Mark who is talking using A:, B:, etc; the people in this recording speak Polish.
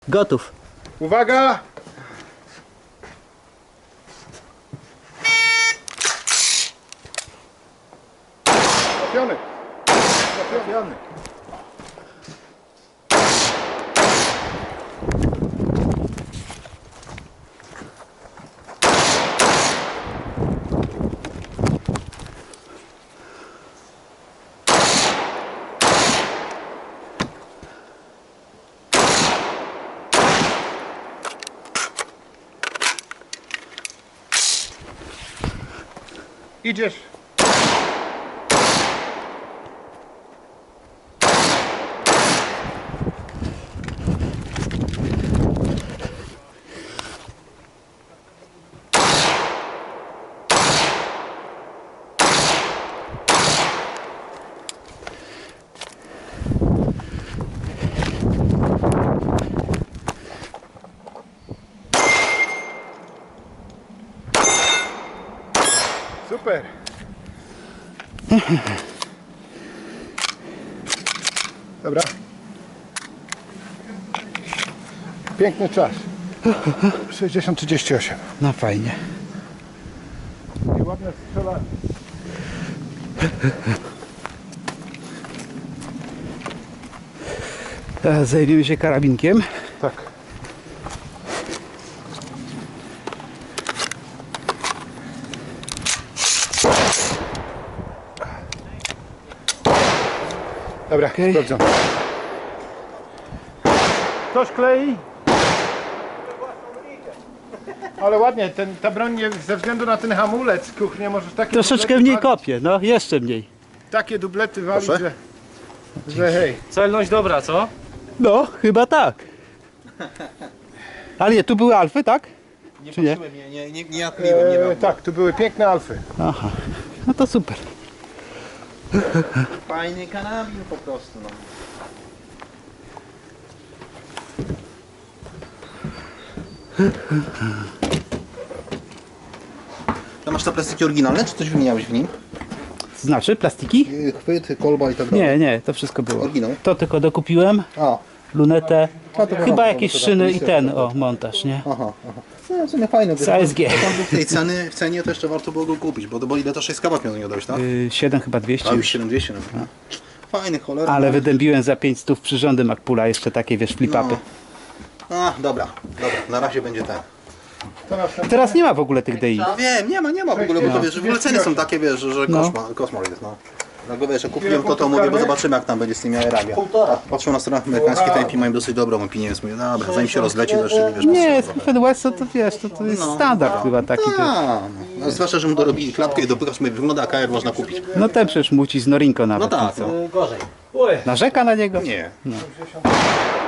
A: Gotów.
B: Uwaga! Trafiony. Trafiony. Idziesz. Super. Dobra. Piękny czas. 60-38.
A: No fajnie.
B: I ładne strzelanie.
A: Teraz zajmiemy się karabinkiem.
B: Tak. Dobra,
A: Okej.
B: sprawdzam. Ktoś klei? Ale ładnie, ta broń nie, ze względu na ten hamulec, kuchnie możesz takie
A: Troszeczkę
B: dublety
A: mniej
B: walić,
A: kopie, no jeszcze mniej.
B: takie dublety walić, że hej.
C: Celność dobra, co?
A: No, chyba tak. Ale nie, tu były alfy, tak? Czy nie?
D: Nie odkryłem, nie wiem.
B: Tak, tu były piękne alfy.
A: Aha, no to super.
D: Fajny karabin po prostu, no. To masz te plastiki oryginalne, czy coś wymieniałeś w nim?
A: Znaczy plastiki?
D: Chwyt, kolba i tak dalej.
A: Nie, to wszystko było.
D: Oryginał?
A: To tylko dokupiłem,
D: A,
A: lunetę,
D: to
A: chyba jakieś szyny i ten, o, montaż, nie?
D: aha. No, w sumie fajne.
A: Z ASG.
D: Tam był w tej w cenie to jeszcze warto było go kupić, bo ile to 6 kabat miał nie dałeś, tak?
A: 7 chyba 200
D: A już
A: już.
D: 7200 nawet. Fajny, cholera.
A: Ale wydębiłem za 500 przyrządy Macpula, jeszcze takie, wiesz, flip-upy.
D: A, dobra, na razie będzie ten.
A: Teraz nie ma w ogóle tych DI.
D: No wiem, nie ma w ogóle, bo to wiesz, w ogóle ceny są takie, wiesz, że koszmar jest, no. Dlatego wiesz, jak kupiłem to mówię, bo zobaczymy jak tam będzie z tymi aerami. Patrzę na stronach amerykańskich, te IP mają dosyć dobrą opinię, więc mówię, dobra, zanim się rozleci, to jeszcze wiesz.
A: Nie, Stephen West to wiesz, to jest standard chyba taki.
D: No, zwłaszcza, że mu dorobili klapkę i dopychasz, mówię, wygląda jak AR można kupić.
A: No ten przecież muci z Norinko
D: No
A: nawet.
D: tak,
A: co?
D: no.
C: Gorzej.
A: Narzeka na niego?
D: Nie.